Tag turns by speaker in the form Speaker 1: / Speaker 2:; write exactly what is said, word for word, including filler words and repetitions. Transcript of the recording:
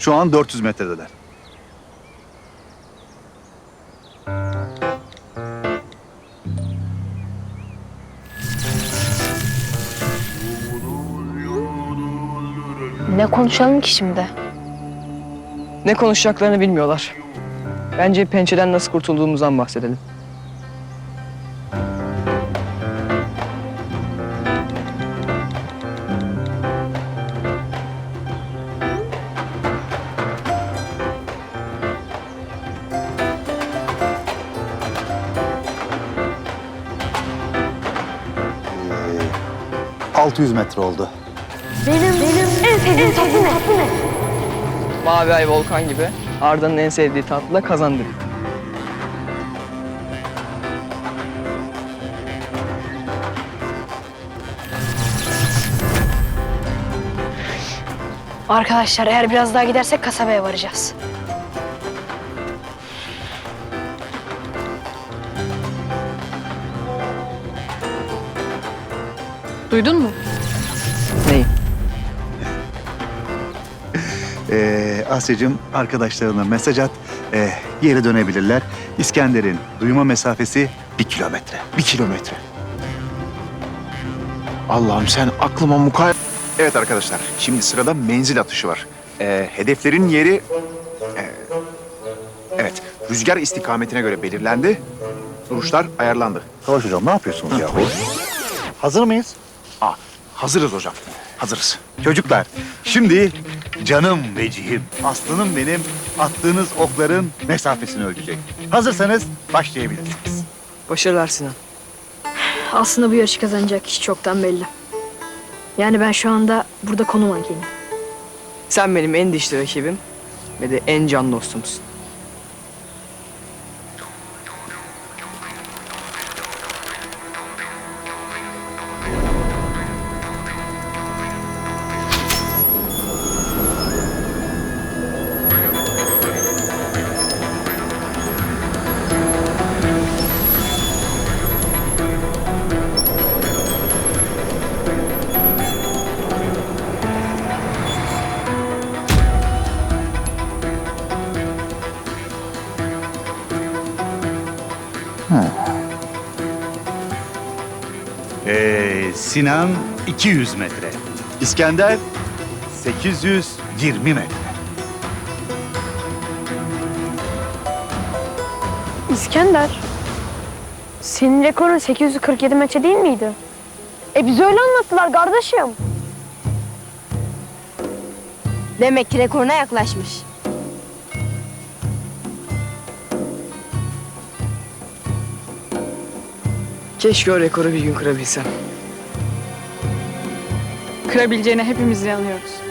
Speaker 1: Şu an dört yüz metredeler.
Speaker 2: Ne konuşalım ki şimdi?
Speaker 3: Ne konuşacaklarını bilmiyorlar. Bence pençeden nasıl kurtulduğumuzdan bahsedelim.
Speaker 1: altı yüz metre oldu.
Speaker 2: Benim, benim en sevdiğim tatlı ne? Tatlı ne?
Speaker 3: Mavi ay volkan gibi Arda'nın en sevdiği tatlı da kazandı.
Speaker 2: Arkadaşlar eğer biraz daha gidersek kasabaya varacağız. Duydun mu?
Speaker 3: Neyi?
Speaker 1: Ee, Asya'cığım arkadaşlarına mesaj at. Ee, geri dönebilirler. İskender'in duyma mesafesi bir kilometre. Bir kilometre.
Speaker 4: Allah'ım sen aklıma mukayyet... Evet arkadaşlar, şimdi sırada menzil atışı var. Ee, hedeflerin yeri... e, evet, rüzgar istikametine göre belirlendi. Duruşlar ayarlandı.
Speaker 1: Savaş hocam ne yapıyorsunuz ya? Hazır mıyız?
Speaker 4: Aa, hazırız hocam, hazırız.
Speaker 1: Çocuklar, şimdi canım vecihim, aslanım benim attığınız okların mesafesini ölçecek. Hazırsanız başlayabilirsiniz.
Speaker 3: Başarılar Sinan.
Speaker 2: Aslında bu yarışı kazanacak kişi çoktan belli. Yani ben şu anda burada konu mankeniyim.
Speaker 3: Sen benim en dişli rakibim ve de en can dostumsun.
Speaker 1: Ee, Sinan iki yüz metre. İskender sekiz yüz yirmi metre.
Speaker 2: İskender, senin rekorun sekiz yüz kırk yedi metre değil miydi? E bize öyle anlattılar kardeşim.
Speaker 5: Demek ki rekoruna yaklaşmış.
Speaker 3: Keşke o rekoru bir gün kırabilsem.
Speaker 6: Kırabileceğine hepimiz inanıyoruz.